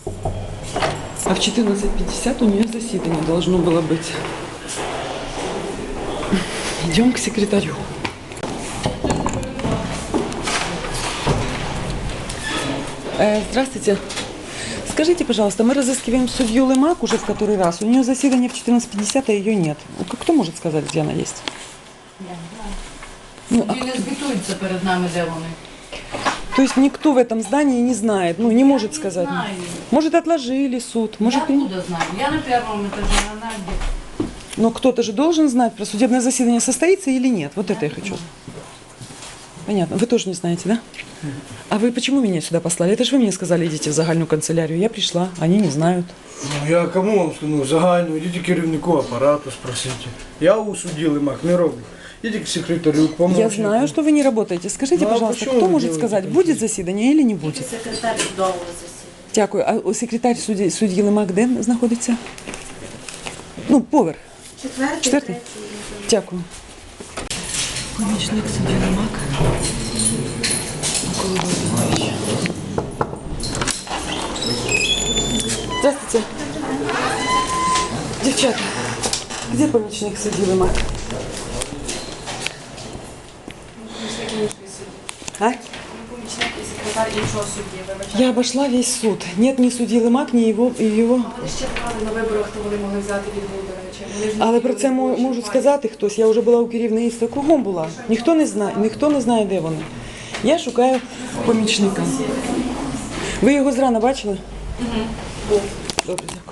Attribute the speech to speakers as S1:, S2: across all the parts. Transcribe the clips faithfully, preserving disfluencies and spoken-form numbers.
S1: А в четырнадцать пятьдесят у нее заседание должно было быть. Идем к секретарю. Э, здравствуйте. Скажите, пожалуйста, мы разыскиваем судью Лемак уже в который раз. У нее заседание в четырнадцать пятьдесят, а ее нет. Кто может сказать, где она есть?
S2: Ну, а не звітуються перед нами, де вони.
S1: То есть никто в этом здании не знает, ну не может сказать.
S2: Знаю.
S1: Может, отложили суд, может...
S2: Я откуда знаю? Я на первом этаже, она где?
S1: Но кто-то же должен знать, про судебное заседание состоится или нет. Вот это я хочу. Понятно. Вы тоже не знаете, да? А вы почему меня сюда послали? Это же вы мне сказали, идите в загальную канцелярию. Я пришла, они не знают.
S3: Ну, я кому вам скажу? Ну, загальну, йдіть керівнику апарату, спросите. Я у судді Лемак не роблю. Идите к секретарю, к помощнику.
S1: Я знаю, что вы не работаете. Скажите,
S3: Ну, а
S1: пожалуйста,
S3: почему
S1: кто
S3: вы
S1: может
S3: делаете
S1: сказать,
S3: такие?
S1: будет заседание или не будет?
S4: Секретар судового засідання.
S1: Дякую. А о, секретар судді, судді Лемак де знаходиться? Ну, поверх.
S4: Четвертий,
S1: Четвертий?
S4: третій.
S1: Дякую. Помічник судді Лемак. Микола Володимирович. Здравствуйте. Девчата, где помічник судді Лемак? А?
S4: Секретар іншого судді, вибачте.
S1: Я обошла весь суд. Нет ни судді Лемак, ни его, и его.
S4: Вони ще брали на виборах, то вони могли взяти від Володимировича. Вони ж не
S1: Але про це
S4: хотіли,
S1: мо-
S4: що
S1: можуть
S4: має.
S1: сказати хтось. Я вже була у керівництві, кругом була. Ніхто не знає, ніхто не знає, де вони. Я шукаю помічника. Ви його зрана бачили? Угу. Добре, дякую.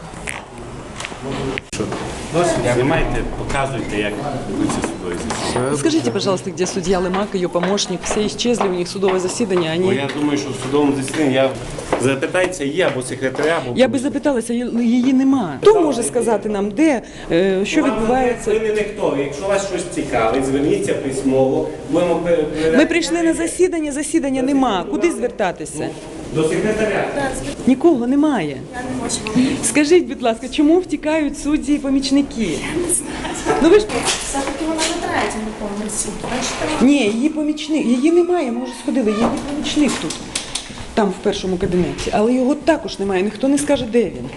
S5: Знімайте, показуйте, як ведуться судові засідання.
S1: Скажите, пожалуйста, где судья Лемак, ее помощник? Все исчезли, у них судовое заседание.
S5: Бо
S1: Они...
S5: я думаю, що в судовому засіданні я запитається, є або секретаря, або...
S1: Я би запиталася, її нема. Хто може сказати нам, де, е, що
S5: Ви
S1: відбувається?
S5: не ніхто. Якщо вас щось цікавить, зверніться письмово. Будемо перевіряти.
S1: Ми прийшли на засідання, засідання нема. Куди звертатися?
S5: До секретаря.
S1: Нікого немає. Скажіть, будь ласка, чому втікають судді і помічники? Ну ви ж
S4: Все-таки вона на третьому поверсі. Бачите?
S1: ні, її помічник, її немає. Ми вже сходили. Її помічник тут, там в першому кабінеті, але його також немає. Ніхто не скаже, де він.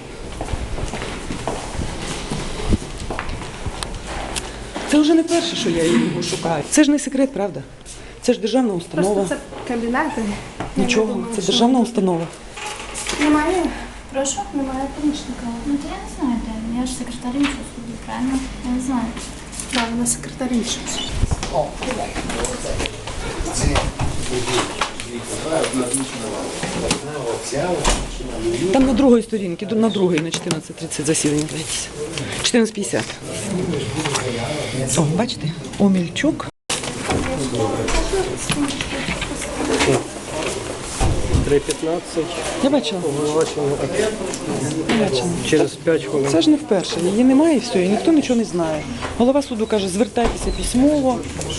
S1: Це вже не перше, що я його шукаю. Це ж не секрет, правда? Це ж державна установа.
S4: Просто це кабінети. Я
S1: Нічого,
S4: не думаю,
S1: це
S4: що-
S1: державна установа.
S4: Немає. Прошу, немає помічника.
S6: Ну, то я не знаю, де. Я ж секретар іншого суду, правильно? Я не знаю.
S4: Так, вона секретар іншого суду.
S1: Там на другій сторінці, на другій, на чотирнадцять тридцять засідання. Дивіться. чотирнадцять п'ятдесят. О, бачите? Омельчук.
S3: три п'ятнадцять,
S1: Я бачила.
S3: оголошено
S1: Я бачила.
S3: через п'ять хвилин.
S1: Це ж не вперше. Її немає і все, і ніхто нічого не знає. Голова суду каже, звертайтеся письмово.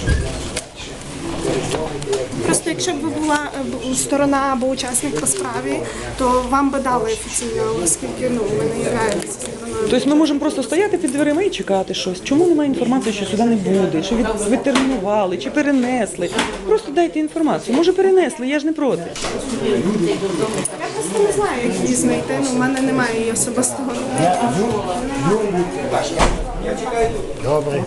S4: Просто якщо б ви була е, б- сторона або учасник по справі, то вам би дали офіційно, оскільки ну, ви не являєтеся стороною.
S1: Тобто ми можемо просто стояти під дверима і чекати щось. Чому немає інформації, що сюди не буде, що від, відтермінували, чи перенесли? Просто дайте інформацію. Може перенесли, я ж не проти.
S4: Я просто не знаю, як її знайти, ну, в мене немає її особистого номера.
S3: Добре.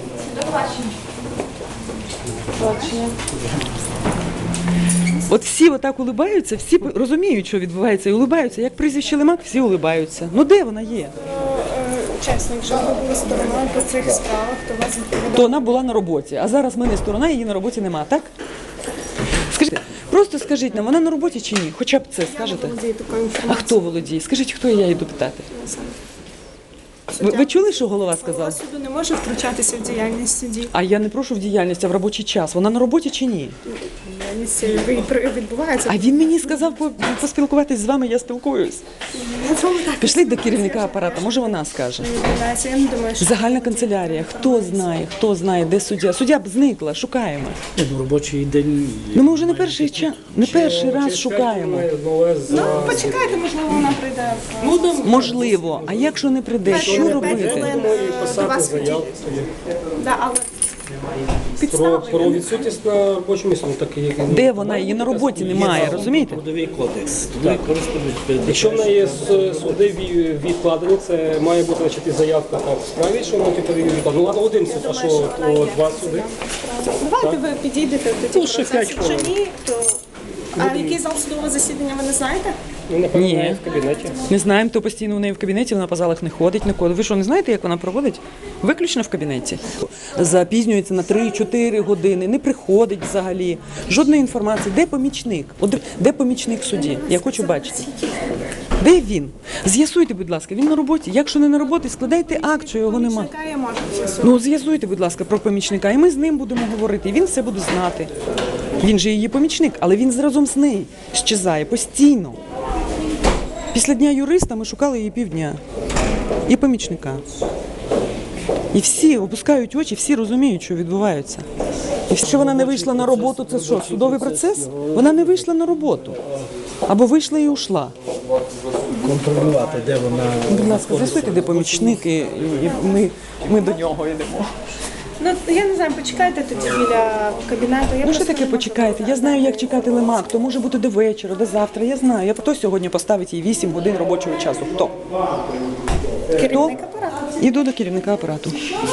S1: От всі отак улибаються, всі розуміють, що відбувається, і улибаються. Як прізвище Лемак, всі улибаються. Ну де вона є?
S4: Е, Чесно, якщо б ви були стороною по цих справах, то вас відповідає.
S1: То вона була на роботі, а зараз ми не сторона, її на роботі нема, так? Скажіть, просто скажіть нам, вона на роботі чи ні? Хоча б це скажете.
S4: Володію такою
S1: А
S4: інформацією.
S1: хто володіє? Скажіть, хто я йду питати? Ви, ви чули, що голова
S4: Голова
S1: сказав?
S4: суду не може втручатися в діяльність судді.
S1: А я не прошу в діяльність, а в робочий час. Вона на роботі чи ні?
S4: Діяльність ви- при- відбувається.
S1: А він мені сказав по- поспілкуватись з вами, я спілкуюсь.
S4: Я з вами так
S1: Пішли до керівника апарату, може вона скаже.
S4: не відбувається. Я не думаю, що
S1: Загальна канцелярія. Хто знає, хто знає, де суддя? Суддя б зникла, шукаємо.
S3: Ну, робочий день.
S1: Ну ми вже не перший час, не перший раз шукаємо.
S4: ну почекайте, можливо, вона прийде в
S3: Ну, там
S1: Можливо, а якщо не прийде, що
S4: П'ять
S1: робити?
S4: хвилин, е, до вас підійде. Да, але
S7: Про,
S4: Підстави.
S7: про відсутність на робочому місці, ну так як
S1: Де вона? Її на роботі немає, розумієте?
S8: Трудовий кодекс. Трудовий кодекс передбачає.
S7: якщо в неї с- суди ві- відкладені, це має бути значить, і заявка там в справі, що вона типу відкладена. Ну ладно, один суд, а що то два суди.
S4: Давайте ви підійдете тоді
S7: Ну, ще
S4: в процес.
S7: п'ять
S4: Якщо
S7: хвилин.
S4: ні, то а який зал судового засідання ви не знаєте?
S7: Ну, напевно,
S1: Ні.
S7: вона в кабінеті.
S1: Не знаємо, то постійно у неї в кабінеті, вона по залах не ходить ніколи. Ви що, не знаєте, як вона проводить? Виключно в кабінеті. Запізнюється на три-чотири години, не приходить взагалі. Жодної інформації. Де помічник? От де- де помічник в суді? Я хочу бачити. Де він? З'ясуйте, будь ласка, він на роботі. Якщо не на роботі, складайте акт, що його нема.
S4: Помічника я можу з'ясувати.
S1: Ну, з'ясуйте, будь ласка, про помічника, і ми з ним будемо говорити, і він все буде знати. Він же її помічник, але він разом з нею щезає постійно. Після дня юриста ми шукали її півдня. І помічника. І всі опускають очі, всі розуміють, що відбувається. І якщо вона не вийшла на роботу, це що, судовий процес? Вона не вийшла на роботу. Або вийшла і ушла.
S8: Контролювати, де вона.
S1: Будь ласка, з'ясуйте, де помічник, і, і ми, ми до нього йдемо.
S4: Ну, я не знаю, почекайте тоді біля кабінету. Я
S1: Ну що
S4: просто
S1: таке
S4: не можу
S1: почекайте? Я знаю, як чекати лимак. То може бути до вечора, до завтра. Я знаю. Я хто сьогодні поставить їй вісім годин робочого часу? Хто? Хто?
S4: Керівник апарату.
S1: Іду до керівника апарату.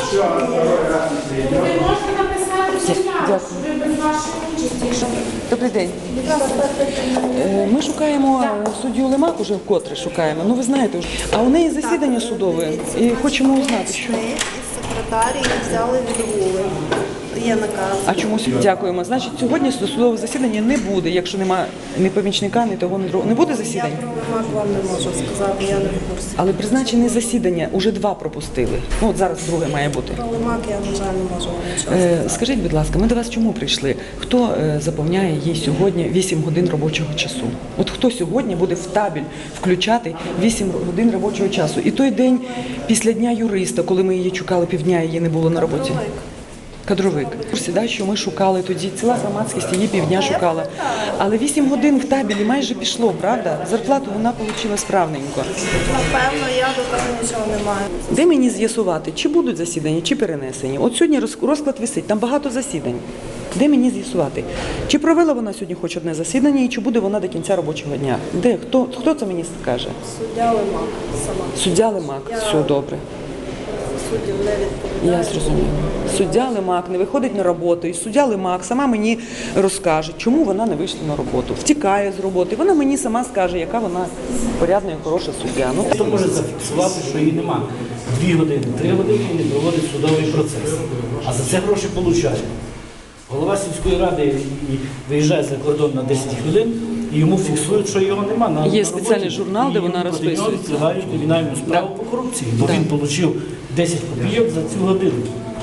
S1: Дякую. Добрий день. Е, Ми шукаємо суддю Лимак, уже вкотре шукаємо. Ну ви знаєте, вже. А у неї засідання судове і хочемо узнати, що.
S9: Секретарі взяли відгули. Є наказ.
S1: А чомусь дякуємо. Значить, сьогодні судове засідання не буде, якщо нема ні помічника, ні того, ні другого. Не буде
S9: Я
S1: засідання?
S9: про Лимак вам не можу сказати, я не в курсі.
S1: Але призначені засідання, уже два пропустили. Ну от зараз друге має бути.
S9: Про Лимак я, на жаль, не можу вам нічого
S1: Е,
S9: сказати.
S1: скажіть, будь ласка, ми до вас чому прийшли? Хто е, заповняє їй сьогодні вісім годин робочого часу? От хто сьогодні буде в табель включати вісім годин робочого часу? І той день після дня юриста, коли ми її чекали півдня, її не було на роботі. Кадровик. Сідай, що ми шукали тоді, ціла громадськість її півдня шукала. Але вісім годин в табелі майже пішло, правда? Зарплату вона отримала справненько.
S9: Напевно, я до того нічого не маю.
S1: Де мені з'ясувати, чи будуть засідання, чи перенесені? От сьогодні роз- розклад висить, там багато засідань. Де мені з'ясувати? Чи провела вона сьогодні хоч одне засідання і чи буде вона до кінця робочого дня? Де? Хто, хто це мені скаже?
S9: Суддя Лимак сама.
S1: Суддя Лимак. Все добре.
S9: Суддів не відповідає.
S1: Я зрозуміла. Суддя Лимак не виходить на роботу, і суддя Лимак сама мені розкаже, чому вона не вийшла на роботу. Втікає з роботи. Вона мені сама скаже, яка вона порядна і хороша суддя. Ну,
S8: Хто може зафіксувати, що її нема? Дві години, три години і не проводить судовий процес. А за це гроші получає. Голова сільської ради і виїжджає за кордон на десять хвилин, і йому фіксують, що його нема. На,
S1: Є
S8: на
S1: спеціальний
S8: роботі.
S1: журнал, де
S8: І
S1: вона
S8: йому проти нього
S1: розписується.
S8: відкривають кримінальну справу
S1: Да.
S8: по корупції, бо
S1: Да.
S8: він отримав десять копійок за цю годину.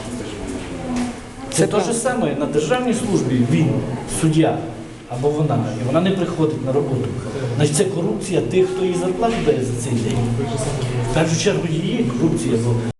S8: Це
S1: Це
S8: те
S1: правда.
S8: ж саме на державній службі він, суддя або вона, і вона не приходить на роботу. Значить, це корупція тих, хто їй зарплату дає за цей день. В першу чергу її корупція, бо